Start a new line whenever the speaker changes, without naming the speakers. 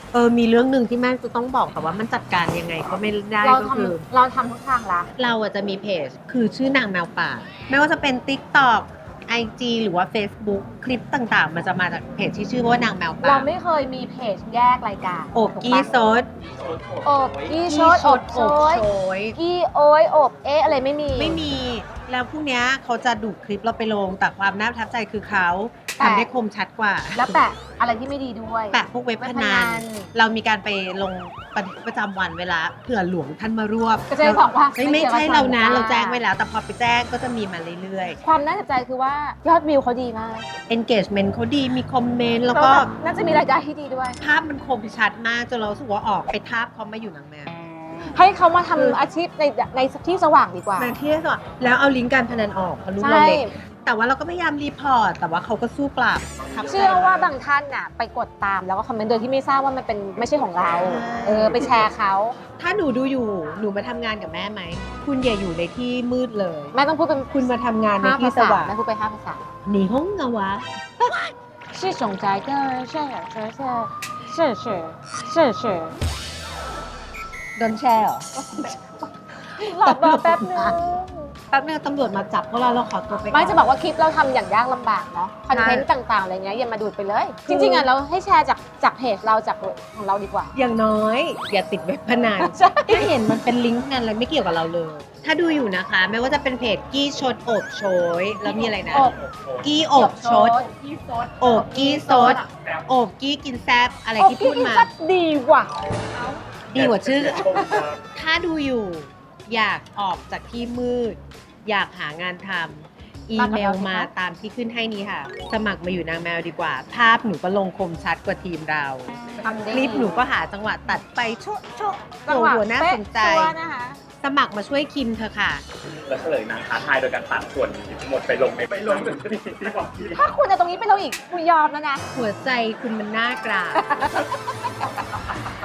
มีเรื่องหนึ่งที่แม่จะต้องบอกแต่ว่ามันจัดการยังไงก็ไม่ได้
เรา
ก็คือ
เราทำทุกทางละ
เราอะจะมีเพจคือชื่อนางแมวป่าไม่ว่าจะเป็น TikTok IG หรือว่า Facebook คลิปต่างๆ มันจะมาจากเพจที่ชื่อว่านางแมวป่า
เราไม่เคยมีเพจแยกรายการ
โอบกี้ซด
อบกี้ชดอบโชย
ย
กี้โอยอบอะไรไม่มี
ไม่มีแล้วพวกเนี้ยเขาจะดูดคลิปเราไปลงแต่ความน่าประทับใจคือเขา
แต่
ทำได้คมชัดกว่า
แล้วแปะอะไรที่ไม่ดีด้วย
แปะพวกเว็บพนันเรามีการไปลงบันทึกประจำวันเวลาเผื่อหลวงท่านมารวบ
ก็จะบอกว่า
ไม่ใช่เรานะ
ไม่
เรา
เกี่ยวกับ
แจ้งไว้แล้ว แต่พอไปแจ้งก็จะมีมาเรื่อย
ความน่าสนใจคือว่ายอดวิวเขาดีมาก
ๆ engagement เขาดีมีคอมเมนต์แล้วก็
น่าจะมีรายได้ที่ดีด้วย
ภาพมันคมชัดมากจนเรารู้สึกว่าออกไปทาบเขามาอยู่นางแมว
ให้เขามาทำอาชีพในที่สว่างดีกว่า
นางที่สอนแล้วเอาลิงก์การพนันออกเพราะลูก
ใช่
เราเล็กแต่ว่าเราก็พยายามรีพอร์ตแต่ว่าเขาก็สู้ปราบ
เชื่อว่าบางท่านน่ะไปกดตามแล้วก็คอมเมนต์โดยที่ไม่ทราบว่ามันเป็นไม่ใช่ของเรา ไปแชร์เขา
ถ้าหนูดูอยู่หนูมาทำงานกับแม่ไหมคุณอย่าอยู่ในที่มืดเลย
แม่ต้องพูดเป็น
คุณมาทำงานใน
5
ที่
ภา
ส
ษา
ว่าง
แม่พูดไป5 ภาษา
หนีห้องเงาวะ
是种在的是
โดนแช่เหรอ
รอแป๊บนึง
แป๊บนึงตำรวจมาจับพวกเราขอตัวไป
ไม่จะบอกว่าคลิปเราทำอย่างยากลำบากเนาะคอนเทนต์ต่างๆอะไรเงี้ยอย่ามาดูดไปเลย จริงๆอ่ะเราให้แชร์จากเพจเราจากของเราดีกว่า
อย่างน้อย อย่าติดเว็บพนัน
ใช่
ถ้าเห็นมันเป็นลิงก์พนันอะไรไม่เกี่ยวกับเราเลย ถ้าดูอยู่นะคะ ไม่ว่าจะเป็นเพจกี้ชดโอบโชยแล้วมีอะไรนะ
อบ
กี้โอบชด
กี้ซด
โอบกี้ซดโอบกี้กินแซบอะไรที่พูดมา
ก็ดีกว่า
ดีกว่าชื่อ ถ้าดูอยู่ อยากออกจากที่มืด อยากหางานทำอีเมลมาตามที่ขึ้นให้นี้ค่ะ สมัครมาอยู่นางแมวดีกว่า ภาพหนูก็ลงคมชัดกว่าทีมเรา
ทำได้
คลิปหนูก็หาจังหวะตัดไปโชะโชะ
จังหวะ
โอ้โหน่าสนใจ
เป๊ะชัวร์นะคะ
สมัครมาช่วยคิมเธอะค่ะ
แล้วเฉลยนางท้าทายโดยการตัดส่วนหมดไปลงในที่บอกที่
ถ้าคุณเอาตรงนี้ไปเราอีกคุณยอมแล้วนะ
หัวใจคุณมันน่ากราบ